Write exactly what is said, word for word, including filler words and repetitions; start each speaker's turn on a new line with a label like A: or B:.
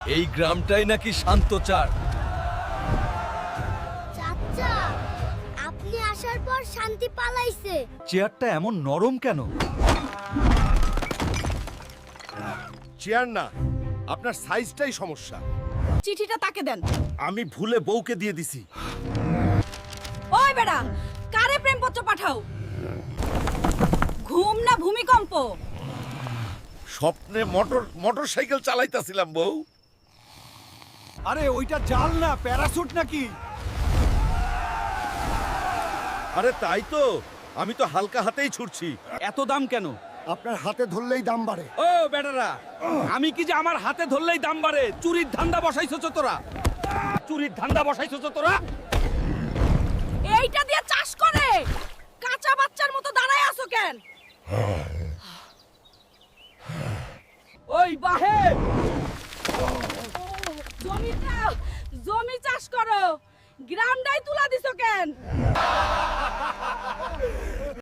A: এই গ্রামটাই নাকি শান্তচার।
B: চাচা, আপনি আসার পর শান্তি পালাইছে।
A: চেয়ারটা এমন নরম কেন?
C: চেয়ার না, আপনার সাইজটাই সমস্যা।
D: চিঠিটা তাকে দেন।
C: আমি ভুলে বউকে দিয়ে দিছি।
D: ওই বেটা, কারে প্রেমপত্র পাঠাও? ঘুম না ভূমিকম্প?
C: স্বপ্নে মোটর মোটরসাইকেল চালাইতাছিলাম বউ।
A: আরে ওইটা জাল না, প্যারাশুট নাকি?
C: আরে তাই তো, আমি তো হালকা হাতেই ছুটছি।
A: এত দাম কেন?
E: আপনার হাতে ধরলেই দাম বাড়ে।
A: ও বেটারা, আমি কি যে আমার হাতে ধরলেই দাম বাড়ে? চুরির ধান্দা বসাইছো তো তোরা, চুরির ধান্দা বসাইছো তো তোরা।
D: এইটা দিয়ে চাষ করে কাঁচা বাচ্চার মতো দাঁড়ায় আছো কেন? ওই বাহে, জমিটা জমি চাষ করো, গ্রামটাই তুলা দিছো কেন?